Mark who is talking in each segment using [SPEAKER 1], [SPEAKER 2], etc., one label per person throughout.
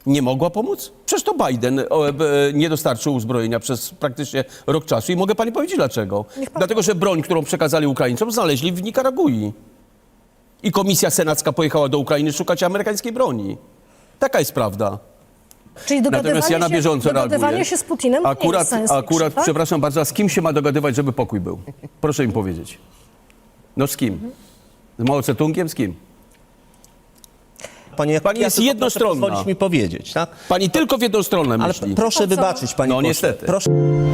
[SPEAKER 1] Nie mogła pomóc? Przecież to Biden nie dostarczył uzbrojenia przez praktycznie rok czasu i mogę pani powiedzieć dlaczego. Dlatego, że broń, którą przekazali Ukraińcom, znaleźli w Nikaragui. I komisja senacka pojechała do Ukrainy szukać amerykańskiej broni. Taka jest prawda.
[SPEAKER 2] Czyli
[SPEAKER 1] Natomiast ja na bieżąco
[SPEAKER 2] dogadywanie się z Putinem nie jest science fiction, tak?
[SPEAKER 1] Przepraszam bardzo, a z kim się ma dogadywać, żeby pokój był? Proszę mi powiedzieć. No z kim? Z Mao Tse-tungiem? Z kim?
[SPEAKER 3] Pani
[SPEAKER 1] jest jednostronna.
[SPEAKER 3] Pozwolić mi powiedzieć, tak?
[SPEAKER 1] Pani tylko w jedną stronę
[SPEAKER 3] Ale
[SPEAKER 1] myśli.
[SPEAKER 3] proszę wybaczyć, pani
[SPEAKER 1] No
[SPEAKER 3] poseł.
[SPEAKER 1] niestety.
[SPEAKER 3] Proszę.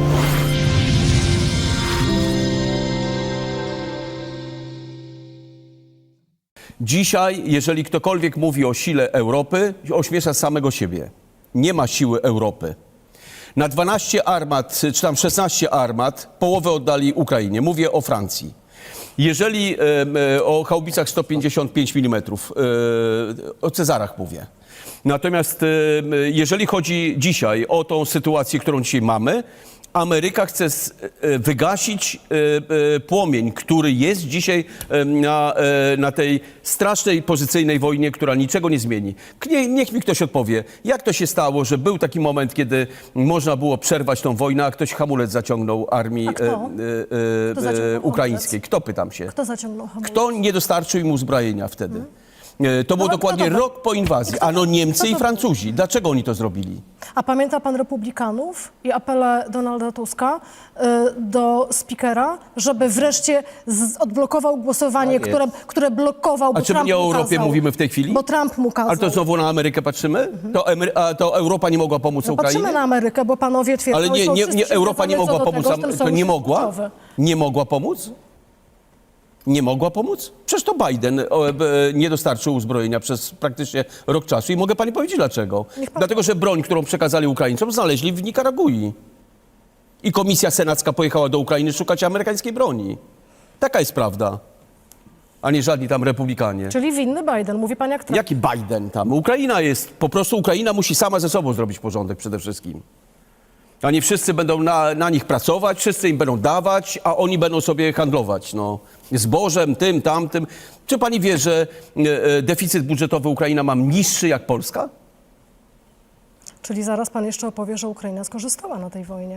[SPEAKER 1] Dzisiaj, jeżeli ktokolwiek mówi o sile Europy, ośmiesza samego siebie. Nie ma siły Europy. Na 12 armat, czy tam 16 armat, połowę oddali Ukrainie. Mówię o Francji. Jeżeli o haubicach 155 mm, o Cezarach mówię. Natomiast jeżeli chodzi dzisiaj o tą sytuację, którą dzisiaj mamy, Ameryka chce wygasić płomień, który jest dzisiaj na tej strasznej pozycyjnej wojnie, która niczego nie zmieni. Niech mi ktoś odpowie, jak to się stało, że był taki moment, kiedy można było przerwać tą wojnę, a ktoś hamulec zaciągnął armii ukraińskiej. Kto, pytam się?
[SPEAKER 2] Kto zaciągnął hamulec?
[SPEAKER 1] Kto nie dostarczył im uzbrojenia wtedy? To było dokładnie rok po inwazji. Ano Niemcy i Francuzi. Dlaczego oni to zrobili?
[SPEAKER 2] A pamięta pan republikanów i apele Donalda Tuska do speakera, żeby wreszcie odblokował głosowanie, które blokował, bo
[SPEAKER 1] A czy my
[SPEAKER 2] Trump
[SPEAKER 1] nie o
[SPEAKER 2] mu
[SPEAKER 1] Europie
[SPEAKER 2] kazał.
[SPEAKER 1] mówimy w tej chwili?
[SPEAKER 2] Bo Trump mu kazał.
[SPEAKER 1] Ale to znowu na Amerykę patrzymy? To Europa nie mogła pomóc
[SPEAKER 2] No
[SPEAKER 1] Ukrainie?
[SPEAKER 2] patrzymy na Amerykę, bo panowie twierdzą,
[SPEAKER 1] Ale
[SPEAKER 2] że są
[SPEAKER 1] nie,
[SPEAKER 2] wszyscy
[SPEAKER 1] Europa nie mogła
[SPEAKER 2] zgadzamy co do
[SPEAKER 1] pomóc.
[SPEAKER 2] tego, że ten
[SPEAKER 1] To nie
[SPEAKER 2] sojusz jest
[SPEAKER 1] mogła?
[SPEAKER 2] kluczowy.
[SPEAKER 1] Nie mogła pomóc? Nie mogła pomóc? Przecież to Biden nie dostarczył uzbrojenia przez praktycznie rok czasu i mogę pani powiedzieć dlaczego. Dlatego, że broń, którą przekazali Ukraińcom, znaleźli w Nikaragui. I komisja senacka pojechała do Ukrainy szukać amerykańskiej broni. Taka jest prawda. A nie żadni tam republikanie.
[SPEAKER 2] Czyli winny Biden, mówi pan jak Trump.
[SPEAKER 1] Jaki Biden tam? Ukraina jest, po prostu Ukraina musi sama ze sobą zrobić porządek przede wszystkim. A nie wszyscy będą na nich pracować, wszyscy im będą dawać, a oni będą sobie handlować, no. Zbożem, tym, tamtym. Czy pani wie, że deficyt budżetowy Ukraina ma niższy jak Polska?
[SPEAKER 2] Czyli zaraz pan jeszcze opowie, że Ukraina skorzystała na tej wojnie.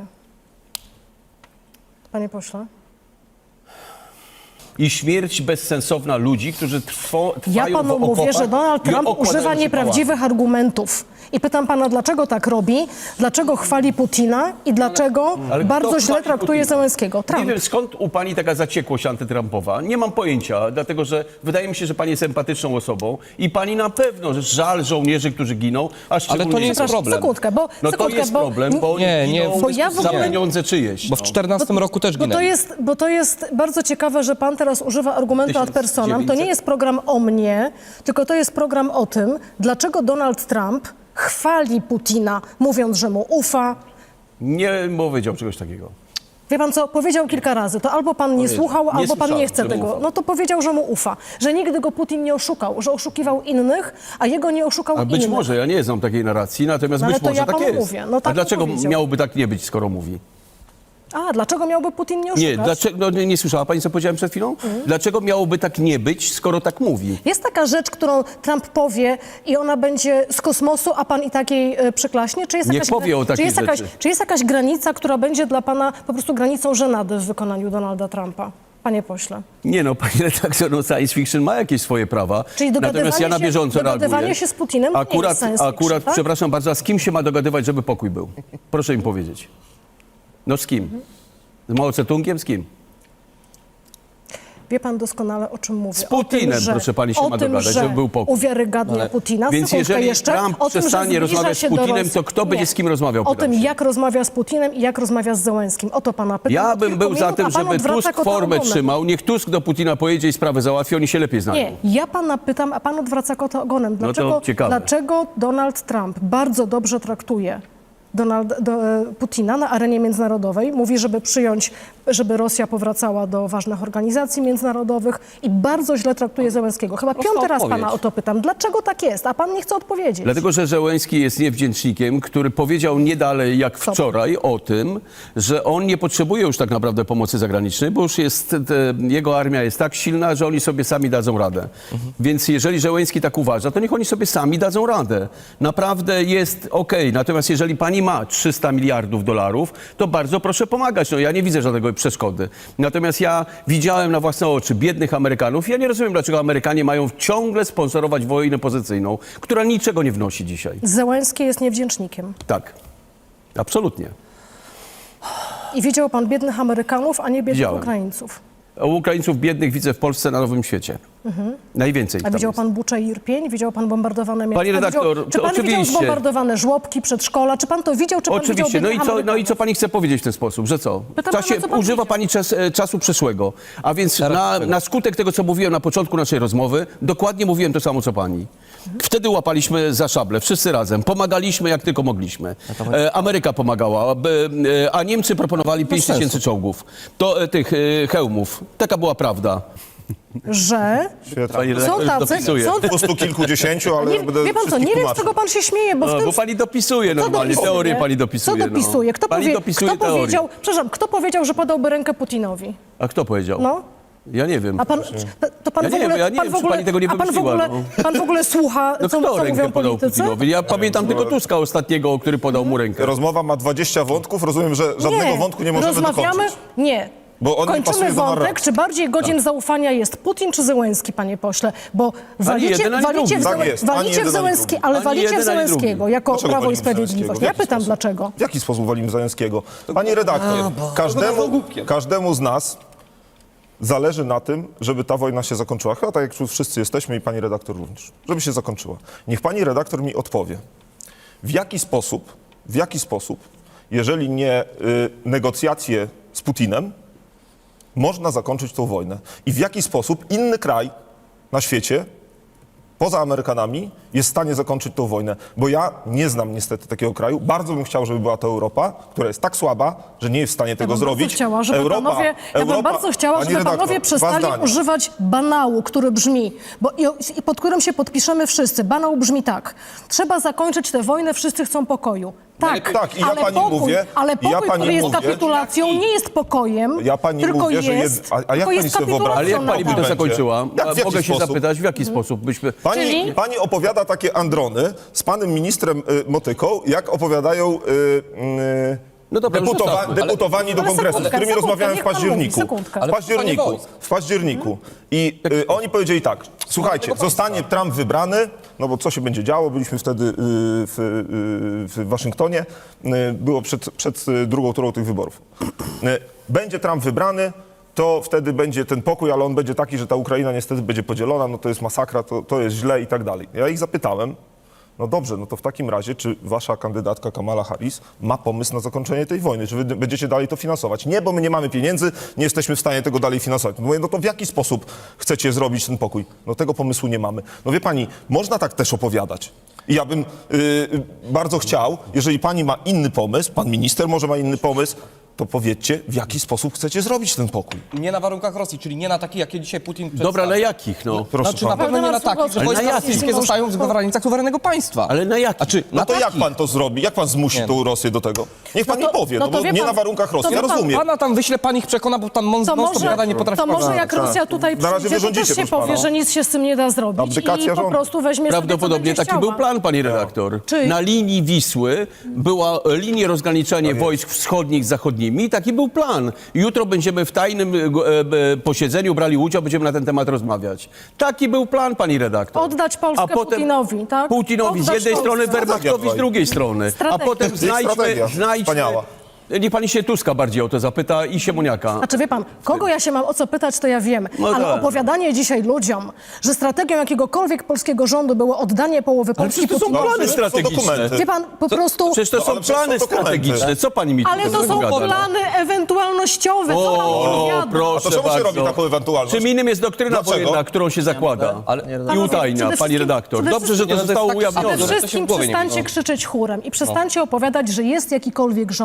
[SPEAKER 2] Panie pośle.
[SPEAKER 1] I śmierć bezsensowna ludzi, którzy trwają
[SPEAKER 2] Ja panu mówię, że Donald Trump używa nieprawdziwych argumentów. I pytam pana, dlaczego tak robi, dlaczego chwali Putina i dlaczego bardzo źle traktuje Zełenskiego. Trump.
[SPEAKER 1] Nie wiem, skąd u pani taka zaciekłość antytrumpowa. Nie mam pojęcia, dlatego że wydaje mi się, że pani jest empatyczną osobą i pani na pewno, że żal żołnierzy, którzy giną, a szczególnie...
[SPEAKER 4] Ale to nie jest problem.
[SPEAKER 2] Sekundkę, bo...
[SPEAKER 1] No to jest problem, bo oni giną
[SPEAKER 2] bo ja w
[SPEAKER 1] za
[SPEAKER 2] ogóle-
[SPEAKER 1] pieniądze czyjeś.
[SPEAKER 4] Bo w 14 roku też ginęli.
[SPEAKER 2] Bo to jest bardzo ciekawe, że pan teraz używa argumentu ad personam. To nie jest program o mnie, tylko to jest program o tym, dlaczego Donald Trump chwali Putina, mówiąc, że mu ufa.
[SPEAKER 1] Nie powiedział czegoś takiego.
[SPEAKER 2] Wie pan co, powiedział kilka razy, to albo pan nie słuchał, albo pan nie chce
[SPEAKER 1] słyszałem, że mu
[SPEAKER 2] tego.
[SPEAKER 1] ufał.
[SPEAKER 2] No to powiedział, że mu ufa, że nigdy go Putin nie oszukał, że oszukiwał innych, a jego nie oszukał
[SPEAKER 1] A
[SPEAKER 2] innych.
[SPEAKER 1] być może, ja nie znam takiej narracji, natomiast
[SPEAKER 2] No ale
[SPEAKER 1] być
[SPEAKER 2] to
[SPEAKER 1] może
[SPEAKER 2] ja
[SPEAKER 1] tak
[SPEAKER 2] panu
[SPEAKER 1] jest.
[SPEAKER 2] mówię, no tak
[SPEAKER 1] A dlaczego
[SPEAKER 2] powiedział.
[SPEAKER 1] miałoby tak nie być, skoro mówi?
[SPEAKER 2] A, dlaczego miałby Putin nie oszukać?
[SPEAKER 1] Nie, dlaczego, no, nie słyszała pani, co powiedziałem przed chwilą? Dlaczego miałoby tak nie być, skoro tak mówi?
[SPEAKER 2] Jest taka rzecz, którą Trump powie i ona będzie z kosmosu, a pan i takiej przyklaśnie? Czy jest
[SPEAKER 1] Niech powie o takiej rzeczy.
[SPEAKER 2] Czy jest jakaś granica, która będzie dla pana po prostu granicą żenady w wykonaniu Donalda Trumpa? Panie pośle.
[SPEAKER 1] Nie no, pani redaktor, no science fiction ma jakieś swoje prawa.
[SPEAKER 2] Czyli
[SPEAKER 1] Natomiast ja na bieżąco
[SPEAKER 2] dogadywanie
[SPEAKER 1] reaguję.
[SPEAKER 2] się z Putinem nie jest science fiction, tak?
[SPEAKER 1] Przepraszam bardzo, a z kim się ma dogadywać, żeby pokój był? Proszę mi powiedzieć. No z kim? Z Mao Tse-tungiem? Z kim?
[SPEAKER 2] Wie pan doskonale, o czym mówię.
[SPEAKER 1] Z Putinem, proszę pani, się ma dogadać, żeby był pokój.
[SPEAKER 2] Uwiarygadnia Putina.
[SPEAKER 1] Więc
[SPEAKER 2] Sekundkę
[SPEAKER 1] jeżeli
[SPEAKER 2] jeszcze,
[SPEAKER 1] Trump
[SPEAKER 2] o tym, że
[SPEAKER 1] przestanie
[SPEAKER 2] zbliża
[SPEAKER 1] rozmawiać z
[SPEAKER 2] się do
[SPEAKER 1] Putinem,
[SPEAKER 2] Rosji.
[SPEAKER 1] to kto będzie z kim rozmawiał,
[SPEAKER 2] O
[SPEAKER 1] pytam
[SPEAKER 2] tym,
[SPEAKER 1] się.
[SPEAKER 2] jak rozmawia z Putinem i jak rozmawia z Zełenskim. O to pana pytam.
[SPEAKER 1] Ja
[SPEAKER 2] Od
[SPEAKER 1] bym
[SPEAKER 2] kilku
[SPEAKER 1] był za
[SPEAKER 2] minut,
[SPEAKER 1] tym,
[SPEAKER 2] a pan
[SPEAKER 1] żeby
[SPEAKER 2] odwraca
[SPEAKER 1] Tusk
[SPEAKER 2] kota
[SPEAKER 1] formę
[SPEAKER 2] ogonem.
[SPEAKER 1] trzymał. Niech Tusk do Putina pojedzie i sprawę załatwi, oni się lepiej znają.
[SPEAKER 2] Nie, ja pana pytam, a pan odwraca kota ogonem.
[SPEAKER 1] to ciekawe.
[SPEAKER 2] Dlaczego Donald Trump bardzo dobrze traktuje Putina na arenie międzynarodowej? Mówi, żeby przyjąć żeby Rosja powracała do ważnych organizacji międzynarodowych i bardzo źle traktuje Zełenskiego. Chyba
[SPEAKER 4] Prosta
[SPEAKER 2] piąty raz
[SPEAKER 4] odpowiedź.
[SPEAKER 2] pana o to pytam. Dlaczego tak jest? A pan nie chce odpowiedzieć.
[SPEAKER 1] Dlatego, że Zełenski jest niewdzięcznikiem, który powiedział nie dalej jak wczoraj o tym, że on nie potrzebuje już tak naprawdę pomocy zagranicznej, bo już jest, jego armia jest tak silna, że oni sobie sami dadzą radę. Więc jeżeli Zełenski tak uważa, to niech oni sobie sami dadzą radę. Naprawdę jest okej. Natomiast jeżeli pani ma 300 miliardów dolarów, to bardzo proszę pomagać. No ja nie widzę żadnego przeszkody. Natomiast ja widziałem na własne oczy biednych Amerykanów. Ja nie rozumiem, dlaczego Amerykanie mają ciągle sponsorować wojnę pozycyjną, która niczego nie wnosi dzisiaj.
[SPEAKER 2] Zełenski jest niewdzięcznikiem.
[SPEAKER 1] Tak. Absolutnie.
[SPEAKER 2] I widział pan biednych Amerykanów, a nie biednych
[SPEAKER 1] Widziałem.
[SPEAKER 2] Ukraińców.
[SPEAKER 1] A Ukraińców biednych widzę w Polsce na Nowym Świecie. Najwięcej.
[SPEAKER 2] A
[SPEAKER 1] tam
[SPEAKER 2] widział
[SPEAKER 1] jest.
[SPEAKER 2] pan Buczę i Irpień? Widział pan bombardowane miasta?
[SPEAKER 1] Panie redaktor,
[SPEAKER 2] Widział, czy
[SPEAKER 1] to
[SPEAKER 2] pan widział
[SPEAKER 1] oczywiście.
[SPEAKER 2] zbombardowane żłobki, przedszkola? Czy pan to widział, czy pan
[SPEAKER 1] Oczywiście.
[SPEAKER 2] widział
[SPEAKER 1] No
[SPEAKER 2] biednych
[SPEAKER 1] i, co, no i
[SPEAKER 2] Amerykanów?
[SPEAKER 1] co pani chce powiedzieć w ten sposób? Że co?
[SPEAKER 2] Pytam pana, co pan
[SPEAKER 1] Używa
[SPEAKER 2] widział.
[SPEAKER 1] pani czasu przeszłego. A więc na skutek tego, co mówiłem na początku naszej rozmowy, dokładnie mówiłem to samo, co pani. Wtedy łapaliśmy za szable, wszyscy razem. Pomagaliśmy jak tylko mogliśmy. Ameryka pomagała, a Niemcy proponowali 5 tysięcy czołgów. Tych hełmów. Taka była prawda.
[SPEAKER 2] Że
[SPEAKER 1] Pani
[SPEAKER 2] są
[SPEAKER 1] redaktor
[SPEAKER 2] tacy,
[SPEAKER 1] dopisuje.
[SPEAKER 2] są
[SPEAKER 5] Po stu kilkudziesięciu, ale
[SPEAKER 2] nie,
[SPEAKER 5] będę
[SPEAKER 2] wie pan co,
[SPEAKER 5] wszystkich
[SPEAKER 2] nie wiem, z
[SPEAKER 5] tłumaczył.
[SPEAKER 2] czego pan się śmieje, bo w
[SPEAKER 1] No,
[SPEAKER 2] tym...
[SPEAKER 1] bo pani dopisuje normalnie,
[SPEAKER 2] dopisuje?
[SPEAKER 1] teorię pani dopisuje.
[SPEAKER 2] Co dopisuje? Kto,
[SPEAKER 1] Pani dopisuje
[SPEAKER 2] kto
[SPEAKER 1] teorię.
[SPEAKER 2] powiedział, przepraszam, kto powiedział, że podałby rękę Putinowi?
[SPEAKER 1] A kto powiedział?
[SPEAKER 2] No.
[SPEAKER 1] Ja nie wiem.
[SPEAKER 2] A pan, to pan
[SPEAKER 1] Ja
[SPEAKER 2] w
[SPEAKER 1] nie
[SPEAKER 2] ogóle,
[SPEAKER 1] wiem, ja nie
[SPEAKER 2] pan
[SPEAKER 1] wiem,
[SPEAKER 2] w
[SPEAKER 1] czy
[SPEAKER 2] ogóle,
[SPEAKER 1] pani tego nie
[SPEAKER 2] a pan w
[SPEAKER 1] wymyśliła,
[SPEAKER 2] ogóle,
[SPEAKER 1] no.
[SPEAKER 2] pan w ogóle słucha,
[SPEAKER 1] No
[SPEAKER 2] co
[SPEAKER 1] kto
[SPEAKER 2] mówią
[SPEAKER 1] rękę podał
[SPEAKER 2] politycy?
[SPEAKER 1] Putinowi? Ja pamiętam tylko Tuska ostatniego, który podał mu rękę.
[SPEAKER 5] Rozmowa ma 20 wątków, rozumiem, że żadnego wątku nie możemy
[SPEAKER 2] rozmawiamy,
[SPEAKER 5] dokończyć.
[SPEAKER 2] Nie.
[SPEAKER 5] Bo on nie
[SPEAKER 2] Kończymy
[SPEAKER 5] pasuje do
[SPEAKER 2] wątek,
[SPEAKER 5] narracji.
[SPEAKER 2] czy bardziej godzien zaufania jest Putin czy Zełenski, panie pośle? Bo walicie,
[SPEAKER 1] jeden, ani
[SPEAKER 2] walicie,
[SPEAKER 1] drugi.
[SPEAKER 2] w,
[SPEAKER 5] Tak jest, ani
[SPEAKER 2] walicie w
[SPEAKER 5] jeden, ani
[SPEAKER 2] Zełenski,
[SPEAKER 5] drugi.
[SPEAKER 2] ale
[SPEAKER 1] Ani
[SPEAKER 2] walicie w
[SPEAKER 1] jeden, ani
[SPEAKER 2] Zełenskiego
[SPEAKER 1] drugi.
[SPEAKER 2] jako
[SPEAKER 5] Dlaczego
[SPEAKER 2] Prawo i
[SPEAKER 5] walimy Zełenskiego?
[SPEAKER 2] Sprawiedliwość.
[SPEAKER 5] W
[SPEAKER 2] Ja
[SPEAKER 5] jaki
[SPEAKER 2] pytam
[SPEAKER 5] sposób?
[SPEAKER 2] dlaczego.
[SPEAKER 5] W jaki sposób walimy Zająckiego? Pani redaktor, każdemu z nas zależy na tym, żeby ta wojna się zakończyła. Chyba tak jak tu wszyscy jesteśmy i pani redaktor również. Żeby się zakończyła. Niech pani redaktor mi odpowie, w jaki sposób, jeżeli nie negocjacje z Putinem, można zakończyć tą wojnę. I w jaki sposób inny kraj na świecie, poza Amerykanami, jest w stanie zakończyć tą wojnę. Bo ja nie znam niestety takiego kraju. Bardzo bym chciał, żeby była to Europa, która jest tak słaba, że nie jest w stanie tego
[SPEAKER 2] bym
[SPEAKER 5] zrobić.
[SPEAKER 2] Bardzo chciała, żeby panowie, ja bym bardzo chciała,
[SPEAKER 5] Pani
[SPEAKER 2] żeby panowie
[SPEAKER 5] redaktor,
[SPEAKER 2] przestali
[SPEAKER 5] dwa zdania.
[SPEAKER 2] używać banału, który brzmi, i pod którym się podpiszemy wszyscy. Banał brzmi tak. Trzeba zakończyć tę wojnę, wszyscy chcą pokoju. Tak,
[SPEAKER 5] Tak, i ja
[SPEAKER 2] ale
[SPEAKER 5] pani
[SPEAKER 2] pokój,
[SPEAKER 5] mówię-
[SPEAKER 2] ale
[SPEAKER 5] i
[SPEAKER 2] pokój,
[SPEAKER 5] ja pani
[SPEAKER 2] który jest
[SPEAKER 5] mówię-
[SPEAKER 2] kapitulacją, nie jest pokojem,
[SPEAKER 5] Ja pani
[SPEAKER 2] tylko
[SPEAKER 5] mówię, że
[SPEAKER 2] jest,
[SPEAKER 5] a jak
[SPEAKER 2] tylko
[SPEAKER 5] pani
[SPEAKER 2] jest
[SPEAKER 5] sobie wyobraża?
[SPEAKER 1] Ale jak pani by to
[SPEAKER 5] Będzie.
[SPEAKER 1] zakończyła?
[SPEAKER 5] Jak, w jaki
[SPEAKER 1] Mogę się
[SPEAKER 5] sposób?
[SPEAKER 1] zapytać, w jaki sposób byśmy...
[SPEAKER 2] Czyli?
[SPEAKER 5] Pani opowiada takie androny z panem ministrem Motyką, jak opowiadają
[SPEAKER 1] No dobra, już zostawmy.
[SPEAKER 5] deputowani do
[SPEAKER 2] Ale
[SPEAKER 5] kongresu, z
[SPEAKER 2] sekundkę,
[SPEAKER 5] którymi
[SPEAKER 2] sekundkę,
[SPEAKER 5] rozmawiałem w
[SPEAKER 2] niech pan
[SPEAKER 5] październiku.
[SPEAKER 2] mówi, sekundkę.
[SPEAKER 5] W październiku. I oni powiedzieli tak, słuchajcie, zostanie Trump wybrany, no bo co się będzie działo, byliśmy wtedy w Waszyngtonie, było przed drugą turą tych wyborów. Będzie Trump wybrany, to wtedy będzie ten pokój, ale on będzie taki, że ta Ukraina niestety będzie podzielona, no to jest masakra, to jest źle i tak dalej. Ja ich zapytałem, no dobrze, no to w takim razie, czy wasza kandydatka Kamala Harris ma pomysł na zakończenie tej wojny? Czy wy będziecie dalej to finansować? Nie, bo my nie mamy pieniędzy, nie jesteśmy w stanie tego dalej finansować. Mówię, no to w jaki sposób chcecie zrobić ten pokój? No tego pomysłu nie mamy. No wie pani, można tak też opowiadać. I ja bym bardzo chciał, jeżeli pani ma inny pomysł, pan minister może ma inny pomysł, to powiedzcie, w jaki sposób chcecie zrobić ten pokój.
[SPEAKER 4] Nie na warunkach Rosji, czyli nie na takich, jakie dzisiaj Putin przedstawia.
[SPEAKER 1] Dobra, ale jakich, no?
[SPEAKER 5] Proszę
[SPEAKER 4] Znaczy na
[SPEAKER 5] pana.
[SPEAKER 4] pewno nie na takich, że
[SPEAKER 1] Ale na
[SPEAKER 4] wojska
[SPEAKER 1] jakich?
[SPEAKER 4] rosyjskie zostają w granicach suwerennego państwa.
[SPEAKER 1] Ale na jakich?
[SPEAKER 4] Znaczy,
[SPEAKER 5] No
[SPEAKER 4] na
[SPEAKER 5] to jak
[SPEAKER 4] takich.
[SPEAKER 5] pan to zrobi? Jak pan zmusi
[SPEAKER 4] Nie.
[SPEAKER 5] tą Rosję do tego? Niech pan
[SPEAKER 2] No to-
[SPEAKER 5] mi powie,
[SPEAKER 2] no
[SPEAKER 5] no
[SPEAKER 2] to
[SPEAKER 5] bo
[SPEAKER 2] wie
[SPEAKER 5] nie
[SPEAKER 2] pan-
[SPEAKER 5] na warunkach Rosji,
[SPEAKER 2] to
[SPEAKER 5] ja
[SPEAKER 2] wie pan-
[SPEAKER 5] rozumiem.
[SPEAKER 4] Pana tam wyśle, pan ich przekona, bo tam
[SPEAKER 2] To
[SPEAKER 4] non-stop gada, nie potrafi
[SPEAKER 2] to może
[SPEAKER 4] pana-
[SPEAKER 2] jak Rosja tutaj
[SPEAKER 5] Na razie
[SPEAKER 2] przyjdzie,
[SPEAKER 5] wy
[SPEAKER 2] to
[SPEAKER 5] rządzicie,
[SPEAKER 2] też się
[SPEAKER 5] proszę
[SPEAKER 2] powie,
[SPEAKER 5] pana.
[SPEAKER 2] że nic się z tym nie da zrobić
[SPEAKER 5] Abdykacja
[SPEAKER 2] i po
[SPEAKER 5] rządu.
[SPEAKER 2] prostu weźmie
[SPEAKER 1] Prawdopodobnie
[SPEAKER 2] sobie, co
[SPEAKER 1] taki
[SPEAKER 2] będzie
[SPEAKER 1] był plan, pani
[SPEAKER 5] No.
[SPEAKER 1] redaktor.
[SPEAKER 2] Czyli?
[SPEAKER 1] Na linii Wisły była linia rozgraniczenia wojsk wschodnich z zachodnimi i taki był plan. Jutro będziemy w tajnym posiedzeniu brali udział, będziemy na ten temat rozmawiać. Taki był plan, pani redaktor.
[SPEAKER 2] Oddać Polskę Putinowi, tak?
[SPEAKER 1] Putinowi z
[SPEAKER 2] Oddać
[SPEAKER 1] jednej
[SPEAKER 2] Polskę.
[SPEAKER 1] strony, Wehrmachtowi z drugiej strony. A
[SPEAKER 2] Strategia.
[SPEAKER 1] potem
[SPEAKER 5] Jest strategia.
[SPEAKER 1] znajdźmy...
[SPEAKER 5] Wspaniała.
[SPEAKER 1] Niech pani się Tuska bardziej o to zapyta i Siemoniaka.
[SPEAKER 2] Znaczy wie pan, kogo ja się mam o co pytać, to ja wiem.
[SPEAKER 1] No
[SPEAKER 2] Ale
[SPEAKER 1] tak.
[SPEAKER 2] opowiadanie dzisiaj ludziom, że strategią jakiegokolwiek polskiego rządu było oddanie połowy
[SPEAKER 1] Ale
[SPEAKER 2] Polski
[SPEAKER 1] przecież to są
[SPEAKER 2] Putinowi.
[SPEAKER 1] plany
[SPEAKER 5] są
[SPEAKER 1] strategiczne.
[SPEAKER 5] dokumenty.
[SPEAKER 2] Wie pan, po prostu...
[SPEAKER 1] Przecież to
[SPEAKER 5] No,
[SPEAKER 1] są
[SPEAKER 5] ale przecież
[SPEAKER 1] plany
[SPEAKER 5] są dokumenty.
[SPEAKER 1] strategiczne. Co pani mi
[SPEAKER 2] Ale to
[SPEAKER 1] tutaj
[SPEAKER 2] są
[SPEAKER 1] gada?
[SPEAKER 2] plany ewentualnościowe, co pan
[SPEAKER 1] O,
[SPEAKER 2] opowiada?
[SPEAKER 1] proszę
[SPEAKER 5] A to czemu się
[SPEAKER 1] bardzo.
[SPEAKER 5] robi taką ewentualność?
[SPEAKER 1] Czym innym jest doktryna
[SPEAKER 5] Dlaczego?
[SPEAKER 1] wojenna, którą się zakłada i utajnia,
[SPEAKER 2] przede
[SPEAKER 1] pani redaktor.
[SPEAKER 2] wszystkim-
[SPEAKER 1] Dobrze, że to
[SPEAKER 4] Nie, no to
[SPEAKER 1] zostało
[SPEAKER 4] jest tak-
[SPEAKER 1] ujawnione.
[SPEAKER 2] Przede
[SPEAKER 4] to się w
[SPEAKER 2] wszystkim
[SPEAKER 4] głowie nie
[SPEAKER 2] przestańcie
[SPEAKER 4] mieści.
[SPEAKER 2] krzyczeć chórem i przestańcie opowiadać, że jest jakikolwiek rząd,
[SPEAKER 4] Że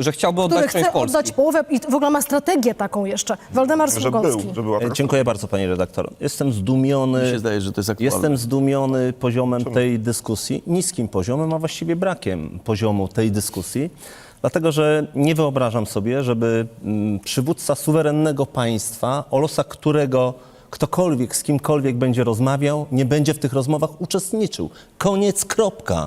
[SPEAKER 4] że chciałby
[SPEAKER 2] który
[SPEAKER 4] oddać część
[SPEAKER 2] chce
[SPEAKER 4] Polski.
[SPEAKER 2] oddać połowę i w ogóle ma strategię taką jeszcze. Waldemar
[SPEAKER 5] Że
[SPEAKER 2] Sługocki.
[SPEAKER 5] był, że była taka.
[SPEAKER 3] Dziękuję bardzo, panie redaktor. Jestem zdumiony.
[SPEAKER 1] Mi się zdaje, że to jest aktualne.
[SPEAKER 3] Jestem zdumiony poziomem tej dyskusji, niskim poziomem, a właściwie brakiem poziomu tej dyskusji, dlatego że nie wyobrażam sobie, żeby przywódca suwerennego państwa, o losach którego ktokolwiek z kimkolwiek będzie rozmawiał, nie będzie w tych rozmowach uczestniczył. Koniec, kropka.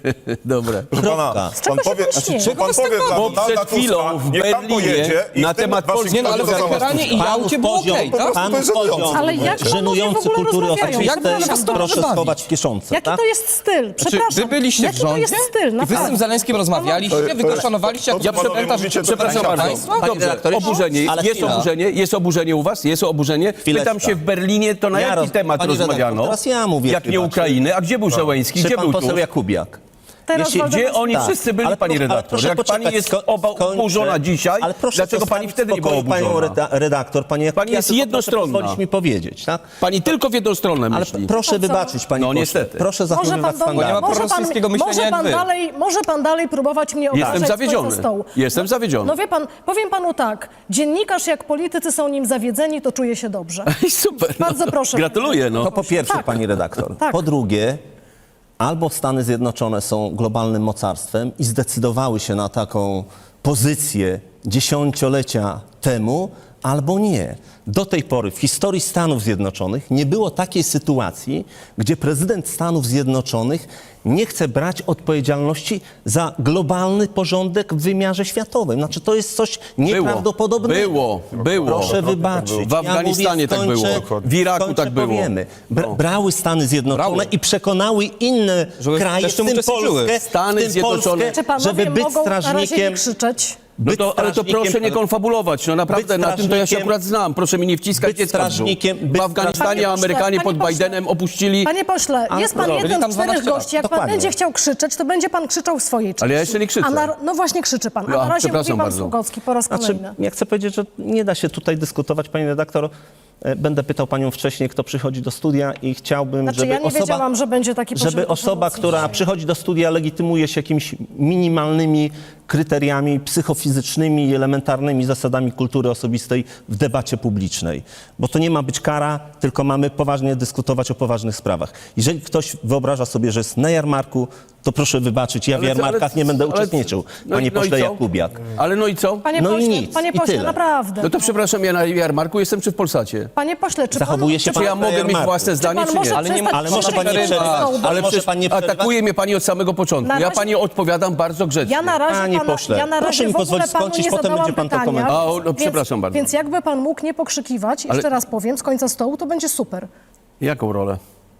[SPEAKER 1] Dobre.
[SPEAKER 5] Proszę pana,
[SPEAKER 3] Kropka.
[SPEAKER 2] Z czego się pan śmieje?
[SPEAKER 5] pan powie dla
[SPEAKER 1] Bo
[SPEAKER 5] Donalda
[SPEAKER 1] przed chwilą
[SPEAKER 5] Tuska,
[SPEAKER 1] w
[SPEAKER 5] niech tam
[SPEAKER 1] Berlinie
[SPEAKER 5] pojedzie i
[SPEAKER 1] na
[SPEAKER 5] w tym
[SPEAKER 1] temat Polski-
[SPEAKER 4] Nie no, ale w
[SPEAKER 5] Waszyngtonie
[SPEAKER 4] Teheranie i Jałcie było okej, tak?
[SPEAKER 3] Panów
[SPEAKER 5] to jest
[SPEAKER 3] poziom,
[SPEAKER 2] Ale jak panowie w
[SPEAKER 3] żenujący
[SPEAKER 2] ogóle
[SPEAKER 3] kultury
[SPEAKER 2] rozmawiają?
[SPEAKER 4] Jak
[SPEAKER 3] osobistej,
[SPEAKER 4] was to
[SPEAKER 3] proszę
[SPEAKER 4] bawi?
[SPEAKER 3] schować w kieszonce.
[SPEAKER 2] Jaki
[SPEAKER 3] tak?
[SPEAKER 2] to jest styl? Przepraszam.
[SPEAKER 4] Wy byliście
[SPEAKER 2] Jaki
[SPEAKER 4] w rządzie
[SPEAKER 2] to jest styl?
[SPEAKER 4] i wy z
[SPEAKER 2] Naprawdę.
[SPEAKER 4] tym Zelenskim rozmawialiście, wy go szanowaliście jako
[SPEAKER 5] to, co panowie
[SPEAKER 4] reprezentant
[SPEAKER 5] mówicie, to
[SPEAKER 1] Przepraszam bardzo.
[SPEAKER 4] państwa?
[SPEAKER 3] Panie
[SPEAKER 1] Dobrze,
[SPEAKER 3] redaktorze,
[SPEAKER 1] oburzenie.
[SPEAKER 3] ale
[SPEAKER 1] Jest
[SPEAKER 3] chwila.
[SPEAKER 1] oburzenie? Jest oburzenie u was? Jest oburzenie?
[SPEAKER 3] Chwileczka.
[SPEAKER 1] Pytam się w Berlinie, to na
[SPEAKER 3] Ja
[SPEAKER 1] jaki
[SPEAKER 3] roz-
[SPEAKER 1] temat
[SPEAKER 3] panie redaktor,
[SPEAKER 1] rozmawiano?
[SPEAKER 3] teraz ja mówię,
[SPEAKER 1] Jak nie
[SPEAKER 3] chyba,
[SPEAKER 1] Ukrainy? A gdzie był Zełenski?
[SPEAKER 3] Czy
[SPEAKER 1] Gdzie
[SPEAKER 3] pan
[SPEAKER 1] był
[SPEAKER 3] poseł
[SPEAKER 1] tu?
[SPEAKER 3] Jakubiak?
[SPEAKER 2] Teraz
[SPEAKER 3] Jeśli-
[SPEAKER 2] Waldemar-
[SPEAKER 1] Gdzie oni
[SPEAKER 3] Tak,
[SPEAKER 1] wszyscy byli,
[SPEAKER 3] ale
[SPEAKER 1] pani
[SPEAKER 3] proszę- ale
[SPEAKER 1] redaktor?
[SPEAKER 3] proszę
[SPEAKER 1] Jak pani
[SPEAKER 3] poczekać,
[SPEAKER 1] jest
[SPEAKER 3] skończę.
[SPEAKER 1] oburzona dzisiaj,
[SPEAKER 3] Ale proszę
[SPEAKER 1] dlaczego pani
[SPEAKER 3] zostawić
[SPEAKER 1] wtedy nie
[SPEAKER 3] w
[SPEAKER 1] była
[SPEAKER 3] spokoju
[SPEAKER 1] oburzona?
[SPEAKER 3] panią redaktor, pani Jakubiak,
[SPEAKER 1] Pani jest
[SPEAKER 3] tylko
[SPEAKER 1] jednostronna.
[SPEAKER 3] proszę pozwolić mi powiedzieć, tak?
[SPEAKER 1] Pani tylko w jedną stronę
[SPEAKER 3] Ale
[SPEAKER 1] myśli.
[SPEAKER 3] proszę
[SPEAKER 2] To co?
[SPEAKER 3] wybaczyć, panie
[SPEAKER 1] No,
[SPEAKER 3] pośle.
[SPEAKER 1] niestety.
[SPEAKER 3] Proszę zachowywać
[SPEAKER 4] Bo nie ma
[SPEAKER 3] standardy.
[SPEAKER 4] prorosyjskiego myślenia jak wy.
[SPEAKER 2] Może pan dalej próbować mnie obrażać
[SPEAKER 1] Jestem
[SPEAKER 2] z końca
[SPEAKER 1] zawiedziony.
[SPEAKER 2] stołu.
[SPEAKER 1] Jestem zawiedziony.
[SPEAKER 2] No wie pan, powiem panu tak, dziennikarz jak politycy są nim zawiedzeni, to czuje się dobrze.
[SPEAKER 1] I super.
[SPEAKER 2] Bardzo proszę.
[SPEAKER 1] Gratuluję. No.
[SPEAKER 3] To po pierwsze,
[SPEAKER 2] Tak.
[SPEAKER 3] pani redaktor.
[SPEAKER 2] Tak.
[SPEAKER 3] Po drugie, albo Stany Zjednoczone są globalnym mocarstwem i zdecydowały się na taką pozycję dziesięciolecia temu, albo nie. Do tej pory w historii Stanów Zjednoczonych nie było takiej sytuacji, gdzie prezydent Stanów Zjednoczonych nie chce brać odpowiedzialności za globalny porządek w wymiarze światowym. Znaczy, to jest coś nieprawdopodobnego.
[SPEAKER 1] Było.
[SPEAKER 3] Proszę wybaczyć.
[SPEAKER 1] W Afganistanie tak było. W Iraku tak było.
[SPEAKER 3] Powiemy.
[SPEAKER 1] No.
[SPEAKER 3] Brały Stany Zjednoczone
[SPEAKER 4] Brały.
[SPEAKER 3] i przekonały inne
[SPEAKER 4] Żeby
[SPEAKER 3] kraje,
[SPEAKER 4] też
[SPEAKER 3] w
[SPEAKER 4] tym
[SPEAKER 3] tym
[SPEAKER 4] uczestniczyły.
[SPEAKER 3] Polskę,
[SPEAKER 1] Stany
[SPEAKER 3] w tym
[SPEAKER 1] Zjednoczone.
[SPEAKER 3] Polskę,
[SPEAKER 2] Czy panowie
[SPEAKER 3] żeby być
[SPEAKER 2] mogą na razie nie
[SPEAKER 3] strażnikiem.
[SPEAKER 2] krzyczeć?
[SPEAKER 1] No to, ale to proszę nie
[SPEAKER 3] strażnikiem-
[SPEAKER 1] konfabulować. No naprawdę,
[SPEAKER 3] być
[SPEAKER 1] na tym to ja się
[SPEAKER 3] strażnikiem-
[SPEAKER 1] akurat znam. Proszę mi nie wciskać
[SPEAKER 3] być
[SPEAKER 1] dziecka w brzuch.
[SPEAKER 3] strażnikiem-
[SPEAKER 1] W
[SPEAKER 3] być
[SPEAKER 1] Afganistanie
[SPEAKER 2] strażnikiem-
[SPEAKER 1] Amerykanie
[SPEAKER 2] Panie
[SPEAKER 1] pod
[SPEAKER 2] pośle,
[SPEAKER 1] Bidenem opuścili...
[SPEAKER 2] Panie pośle, jest pan
[SPEAKER 4] byli
[SPEAKER 2] jeden
[SPEAKER 4] tam
[SPEAKER 2] z 4
[SPEAKER 4] 12 lat.
[SPEAKER 2] gości. Jak pan
[SPEAKER 3] Dokładnie.
[SPEAKER 2] będzie chciał krzyczeć, to będzie pan krzyczał w swojej części.
[SPEAKER 1] Ale ja jeszcze nie krzyczę.
[SPEAKER 2] No właśnie krzyczy pan. A
[SPEAKER 1] Ja,
[SPEAKER 2] na razie mówi
[SPEAKER 1] przepraszam
[SPEAKER 2] pan
[SPEAKER 1] bardzo.
[SPEAKER 2] Sługocki po raz
[SPEAKER 3] Znaczy,
[SPEAKER 2] kolejny.
[SPEAKER 3] ja chcę powiedzieć, że nie da się tutaj dyskutować, pani redaktor. Będę pytał panią wcześniej, kto przychodzi do studia i chciałbym,
[SPEAKER 2] Znaczy,
[SPEAKER 3] żeby
[SPEAKER 2] ja nie wiedziałam, że będzie taki poziom
[SPEAKER 3] żeby osoba,
[SPEAKER 2] emocji
[SPEAKER 3] która
[SPEAKER 2] dzisiaj.
[SPEAKER 3] przychodzi do studia, legitymuje się jakimiś minimalnymi kryteriami psychofizycznymi i elementarnymi zasadami kultury osobistej w debacie publicznej. Bo to nie ma być kara, tylko mamy poważnie dyskutować o poważnych sprawach. Jeżeli ktoś wyobraża sobie, że jest na jarmarku, to proszę wybaczyć, ja w jarmarkach nie będę uczestniczył, panie pośle
[SPEAKER 1] i co?
[SPEAKER 3] Jakubiak.
[SPEAKER 1] Ale no i co?
[SPEAKER 2] Panie
[SPEAKER 3] No i
[SPEAKER 2] pośle,
[SPEAKER 3] nic,
[SPEAKER 2] panie
[SPEAKER 3] i
[SPEAKER 2] pośle,
[SPEAKER 3] tyle.
[SPEAKER 2] naprawdę.
[SPEAKER 1] No to przepraszam, ja na jarmarku jestem czy w Polsacie?
[SPEAKER 2] Panie pośle, czy
[SPEAKER 3] Zachowuje
[SPEAKER 2] pan,
[SPEAKER 3] się
[SPEAKER 2] czy
[SPEAKER 1] Czy ja
[SPEAKER 3] pan na
[SPEAKER 1] mogę mieć
[SPEAKER 3] jarmarku.
[SPEAKER 1] własne zdanie,
[SPEAKER 2] pan
[SPEAKER 1] czy
[SPEAKER 2] może
[SPEAKER 1] nie?
[SPEAKER 4] Ale nie
[SPEAKER 2] przestać
[SPEAKER 3] Ale może pan nie
[SPEAKER 2] krzyczeć
[SPEAKER 3] przerywać.
[SPEAKER 2] z stołu?
[SPEAKER 3] Ale może
[SPEAKER 1] przecież
[SPEAKER 3] pan nie przerywać?
[SPEAKER 1] atakuje mnie pani od samego początku.
[SPEAKER 2] Na
[SPEAKER 1] Ja
[SPEAKER 2] razie-
[SPEAKER 1] pani odpowiadam bardzo grzecznie.
[SPEAKER 2] Ja na razie,
[SPEAKER 3] Panie pośle,
[SPEAKER 2] ja na
[SPEAKER 3] proszę
[SPEAKER 2] razie
[SPEAKER 3] mi
[SPEAKER 2] w ogóle
[SPEAKER 3] pozwolić
[SPEAKER 2] panu
[SPEAKER 3] skończyć,
[SPEAKER 2] nie
[SPEAKER 3] potem
[SPEAKER 2] zadałam
[SPEAKER 3] będzie pan to
[SPEAKER 2] pytania,
[SPEAKER 3] komentował.
[SPEAKER 1] A, no, przepraszam bardzo.
[SPEAKER 2] Więc jakby pan mógł nie pokrzykiwać, jeszcze raz powiem, z końca stołu, to będzie super.
[SPEAKER 1] Jaką rolę?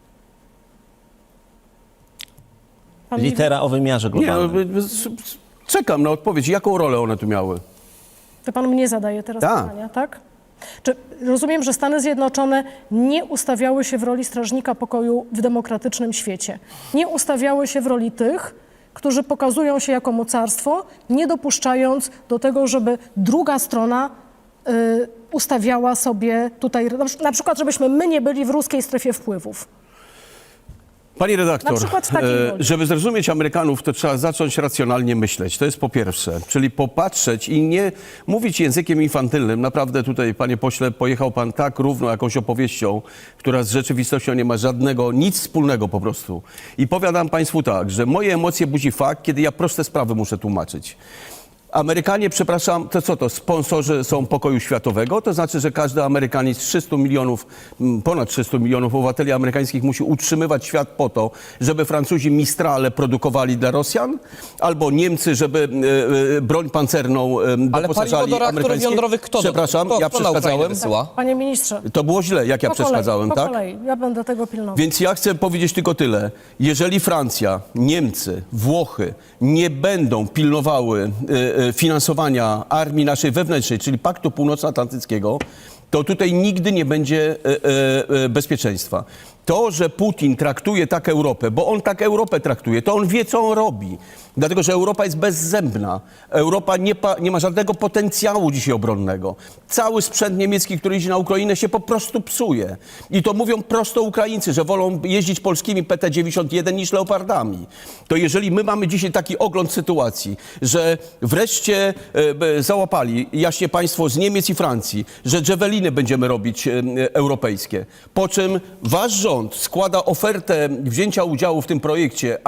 [SPEAKER 2] Pan
[SPEAKER 3] Litera o wymiarze
[SPEAKER 1] Nie, no,
[SPEAKER 3] globalnym.
[SPEAKER 1] czekam na odpowiedź. Jaką rolę one tu miały?
[SPEAKER 2] To pan mnie zadaje teraz
[SPEAKER 1] Tak.
[SPEAKER 2] pytania, tak? Czy rozumiem, że Stany Zjednoczone nie ustawiały się w roli strażnika pokoju w demokratycznym świecie? Nie ustawiały się w roli tych, którzy pokazują się jako mocarstwo, nie dopuszczając do tego, żeby druga strona ustawiała sobie tutaj, na przykład, żebyśmy my nie byli w ruskiej strefie wpływów.
[SPEAKER 1] Pani redaktor,
[SPEAKER 2] Na przykład z takiej woli.
[SPEAKER 1] żeby zrozumieć Amerykanów, to trzeba zacząć racjonalnie myśleć. To jest po pierwsze. Czyli popatrzeć i nie mówić językiem infantylnym. Naprawdę tutaj, panie pośle, pojechał pan tak równo jakąś opowieścią, która z rzeczywistością nie ma żadnego, nic wspólnego po prostu. I powiadam państwu tak, że moje emocje budzi fakt, kiedy ja proste sprawy muszę tłumaczyć. Amerykanie, przepraszam, to co to, sponsorzy są pokoju światowego? To znaczy, że każdy Amerykanin z 300 milionów, ponad 300 milionów obywateli amerykańskich musi utrzymywać świat po to, żeby Francuzi Mistrale produkowali dla Rosjan? Albo Niemcy, żeby broń pancerną
[SPEAKER 4] Ale
[SPEAKER 1] doposażali
[SPEAKER 4] paliwo do reaktorów
[SPEAKER 1] amerykańskie?
[SPEAKER 4] jądrowych kto?
[SPEAKER 1] Przepraszam,
[SPEAKER 4] kto,
[SPEAKER 1] ja
[SPEAKER 4] kto na Ukrainę
[SPEAKER 1] przeszkadzałem.
[SPEAKER 4] wysyła?
[SPEAKER 2] Panie ministrze,
[SPEAKER 1] To było źle, jak ja przeszkadzałem,
[SPEAKER 2] po
[SPEAKER 1] tak?
[SPEAKER 2] kolei. Ja będę tego pilnował.
[SPEAKER 1] Więc ja chcę powiedzieć tylko tyle. Jeżeli Francja, Niemcy, Włochy nie będą pilnowały finansowania armii naszej wewnętrznej, czyli Paktu Północnoatlantyckiego, to tutaj nigdy nie będzie bezpieczeństwa. To, że Putin traktuje tak Europę, bo on tak Europę traktuje, to on wie, co on robi. Dlatego, że Europa jest bezzębna. Europa nie ma żadnego potencjału dzisiaj obronnego. Cały sprzęt niemiecki, który idzie na Ukrainę, się po prostu psuje. I to mówią prosto Ukraińcy, że wolą jeździć polskimi PT-91 niż Leopardami. To jeżeli my mamy dzisiaj taki ogląd sytuacji, że wreszcie załapali, jaśnie państwo, z Niemiec i Francji, że Javeliny będziemy robić europejskie, po czym wasz rząd składa ofertę wzięcia udziału w tym projekcie,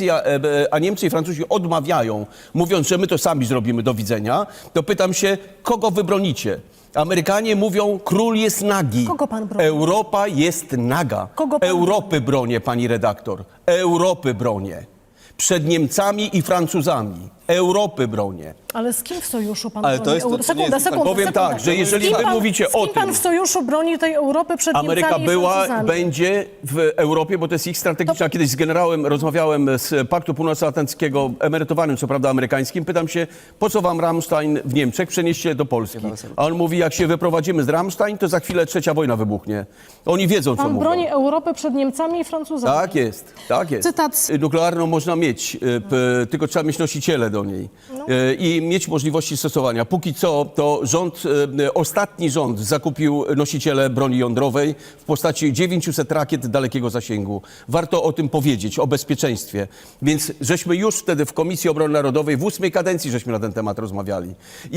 [SPEAKER 1] a Niemcy i Francuzi odmawiają, mówiąc, że my to sami zrobimy, do widzenia, to pytam się, kogo wy bronicie? Amerykanie mówią, król jest nagi.
[SPEAKER 2] Kogo pan broni?
[SPEAKER 1] Europa jest naga.
[SPEAKER 2] Kogo pan
[SPEAKER 1] Europy bronię, pani redaktor. Europy bronię. Przed Niemcami i Francuzami. Europy bronię.
[SPEAKER 2] Ale z kim w sojuszu pan
[SPEAKER 4] Ale
[SPEAKER 2] broni
[SPEAKER 4] to jest to,
[SPEAKER 2] Europy?
[SPEAKER 4] co nie jest-
[SPEAKER 1] Powiem tak, że jeżeli wy mówicie o
[SPEAKER 2] z kim pan
[SPEAKER 1] tym,
[SPEAKER 2] w sojuszu broni tej Europy przed
[SPEAKER 1] Ameryka
[SPEAKER 2] Niemcami i
[SPEAKER 1] była,
[SPEAKER 2] Francuzami?
[SPEAKER 1] będzie w Europie, bo to jest ich strategiczna. Kiedyś z generałem rozmawiałem z Paktu Północnoatlantyckiego, emerytowanym, co prawda amerykańskim. Pytam się, po co wam Rammstein w Niemczech? Przenieście do Polski. A on mówi, jak się wyprowadzimy z Rammstein, to za chwilę trzecia wojna wybuchnie. Oni wiedzą, co
[SPEAKER 2] Pan
[SPEAKER 1] mówią.
[SPEAKER 2] broni Europę przed Niemcami i Francuzami.
[SPEAKER 1] Tak jest, tak jest.
[SPEAKER 2] Cytat.
[SPEAKER 1] Nuklearną można mieć, tylko trzeba mieć nosiciele do niej i mieć możliwości stosowania. Póki co to ostatni rząd zakupił nosiciele broni jądrowej w postaci 900 rakiet dalekiego zasięgu. Warto o tym powiedzieć, o bezpieczeństwie. Więc żeśmy już wtedy w Komisji Obrony Narodowej w 8. kadencji żeśmy na ten temat rozmawiali.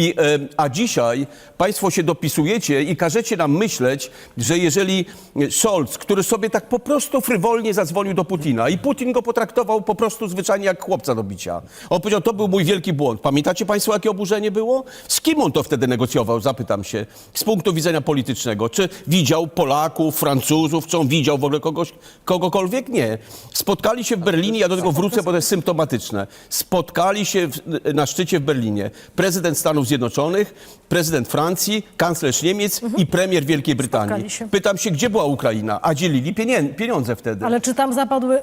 [SPEAKER 1] A dzisiaj państwo się dopisujecie i każecie nam myśleć, że jeżeli Scholz, który sobie tak po prostu frywolnie zadzwonił do Putina i Putin go potraktował po prostu zwyczajnie jak chłopca do bicia. On powiedział, to był mój wielki błąd. Pamiętacie państwo, jakie oburzenie było? Z kim on to wtedy negocjował, zapytam się, z punktu widzenia politycznego. Czy widział Polaków, Francuzów, czy on widział w ogóle kogokolwiek? Nie. Spotkali się w Berlinie, ja do tego wrócę, bo to jest symptomatyczne. Spotkali się na szczycie w Berlinie prezydent Stanów Zjednoczonych, prezydent Francji, kanclerz Niemiec i premier Wielkiej Brytanii.
[SPEAKER 2] Spotkali się.
[SPEAKER 1] Pytam się, gdzie była Ukraina? A dzielili pieniądze wtedy.
[SPEAKER 2] Ale czy tam zapadły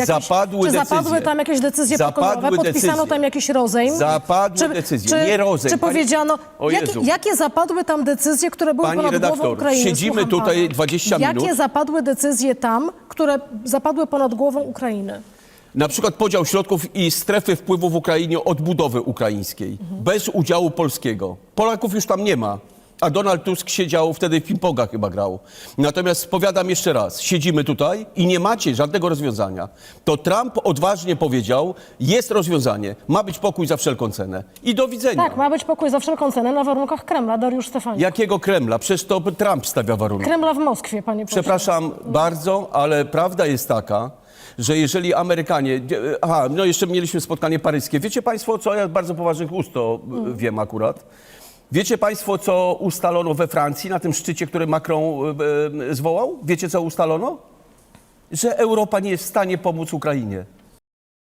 [SPEAKER 1] Zapadły
[SPEAKER 2] tam jakieś decyzje pokojowe?
[SPEAKER 1] Zapadły
[SPEAKER 2] Podpisano
[SPEAKER 1] decyzje.
[SPEAKER 2] tam jakiś rozejm?
[SPEAKER 1] Zapadły decyzje, nie rozejm.
[SPEAKER 2] Czy powiedziano,
[SPEAKER 1] O Jezu.
[SPEAKER 2] jakie zapadły tam decyzje, które były
[SPEAKER 1] Pani
[SPEAKER 2] ponad głową
[SPEAKER 1] redaktor,
[SPEAKER 2] Ukrainy?
[SPEAKER 1] siedzimy
[SPEAKER 2] Słucham
[SPEAKER 1] tutaj
[SPEAKER 2] pana.
[SPEAKER 1] 20 minut.
[SPEAKER 2] Jakie zapadły decyzje tam, które zapadły ponad głową Ukrainy?
[SPEAKER 1] Na przykład podział środków i strefy wpływu w Ukrainie odbudowy ukraińskiej. Bez udziału polskiego. Polaków już tam nie ma. A Donald Tusk siedział wtedy w ping-ponga chyba grał. Natomiast powiadam jeszcze raz, siedzimy tutaj i nie macie żadnego rozwiązania. To Trump odważnie powiedział, jest rozwiązanie, ma być pokój za wszelką cenę. I do widzenia.
[SPEAKER 2] Tak, ma być pokój za wszelką cenę na warunkach Kremla, Dariusz Stefanik.
[SPEAKER 1] Jakiego Kremla? Przecież to Trump stawia warunek.
[SPEAKER 2] Kremla w Moskwie, panie pośle.
[SPEAKER 1] Przepraszam bardzo, ale prawda jest taka, że jeżeli Amerykanie... Aha, no jeszcze mieliśmy spotkanie paryskie. Wiecie państwo, co ja z bardzo poważnych ust to wiem akurat. Wiecie państwo, co ustalono we Francji na tym szczycie, który Macron zwołał? Wiecie, co ustalono? Że Europa nie jest w stanie pomóc Ukrainie.